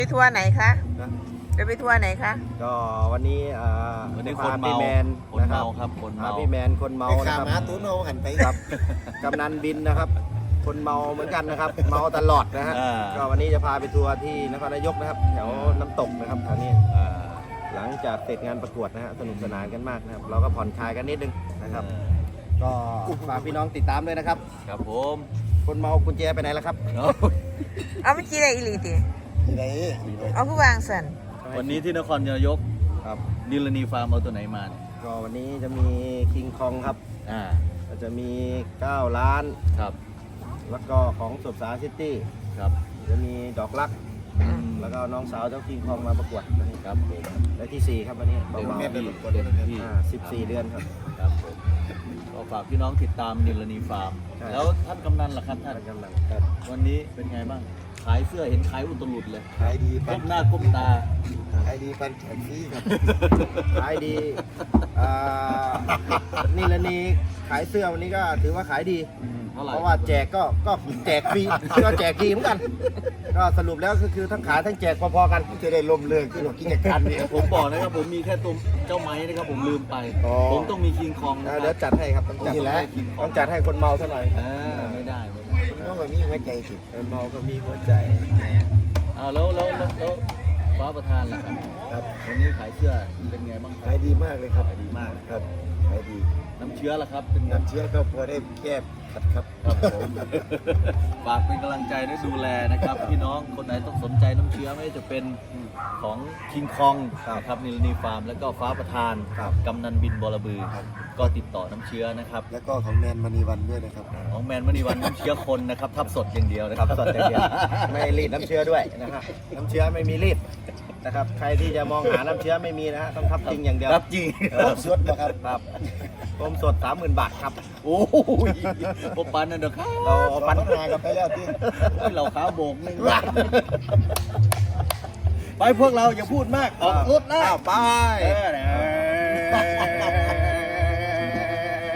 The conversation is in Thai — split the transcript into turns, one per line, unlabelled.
ไปทัวร์ไหนคะจะไปทัวร์ไหนคะ
ก็วันนี้
คนเมา
พี่แมน
คนเมาครับคนเมา
พี่แมนคนเมานะ
ขา
ครับ
ม้าตุ้นเอาหันไป
ครับกำนันบินนะครับ คนเมาเหมือนกันนะครับ เมาตลอดนะฮะก็วันนี้จะพาไปทัวร์ที่นครนายกนะครับแถวน้ำตกนะครับแถวนี้หลังจากเสร็จงานประกวดนะฮะสนุกสนานกันมากนะครับเราก็ผ่อนคลายกันนิดนึงนะครับ ก็ฝากพี่น้องติดตามด้วยนะครับ
ครับผม
คนเมากุญแจไปไหนแล้วครับ
เอาไม่จีได้อีหลีติ
ที่ไหน
เอาผู้วางสัน
วันนี้ที่นครนายก
ครับ
นิลนีฟาร์มเอาตัวไหนมาเนี่ย
ก็วันนี้จะมีคิงคองครับ
อ่า
ก็จะมี9ล้าน
ครับ
แล้วก็ของสุบสาซิตี้
ครับ
จะมีดอกรัก แล้วก็น้องสาวเจ้าคิงคองมาประกวดวันนี้
ครับผม
และที่ 4 ครับวันนี้เบา
เต็มที่
ๆ
เต็มที่
14 เดือนครับ
ครับผมก็ฝากพี่น้องติดตามนิลนีฟาร์ม
ใช่
แล้วท่านกำนันล่ะครับท่าน
กำลังครับ
วันนี้เป็นไงบ้างขายเสื้อเห็นขายอุตลุดเลย
ขายดี
ก้มหน้าก้มตา
ขายดีปันแขนฟรีครับ
ขายดีอ่านี่ละนี่ขายเสื้อวันนี้ก็ถือว่าขายดี
เท่าไหร่
เพราะว่าแจกก็แจกฟรี ก็แจกดีเหมือนกัน ก็สรุปแล้วก็คือทั้งขายทั้งแจกพอๆกัน
จะได้ลมเลิกที่เรากิจการนี้
ผมบอกนะครับผมมีแค่ตัวเจ้าไม้นะครับผมลืมไป
อ๋อ
ผมต้องมีคิงคองนะค
เดี๋ย
รั
ว
บ
จัดให้ครับต้องจัด
นี่แหละ
ต้องจัดให้คนเมาซะหน่อย
ไม่ได้ไม่ได้
คุณน้องแบบนี้หัวใจสิ
คนเมาก็มีหัวใจ
แล้วฟ้าประธานล่ะครับ
ครับ
วันนี้ขายเสื้อเป็นไงบ้างค
ขาย
รับ
ดีมากเลยครับ
ขายดีมาก
ครับขายดี
น้ำเชื้อล่ะครับเป็นไง
น้ำเชื้อก็พอได้แก้ขัดครับ
ครับผมฝากเป็นกำลังใจและดูแลนะครับ พี่น้องคนไหนต้องสนใจน้ำเชื้อไม่ว่าจะเป็นของคิงคองนะครับนิลนีฟาร์มแล้วก็ฟ้าประธานกำนันบินบอระบือก็ติดต่อน้ำเชื้อนะครับ
แล้วก็ของแมนมณีวันด้วยนะครับ
ของแมนมณีวันน้ำเชื้อคนนะครับทับสดอย่างเดียวนะ
ค
ค
รั
รั
บบ สดอย่างเดียวไม่รีดน้ำเชื้อด้วยนะครับน้ำเชื้อไม่มีรีดนะครับ ใครที่จะมองหาน้ำเชื้อไม่มีนะฮะต้องทับจริงอย่างเดียว
ครับจริง
สดนะครับ
ครับผมสด 30,000 บาทครับ
โอ้ยปบปันนั่นเด้อครับ
เราเอา
ปั
ปั
น
น
นากันไปแล้วที่
โอ้ยเราขาโบกนึงไปพวกเราอย่าพูดมากออกรถนะ
ไป
เออ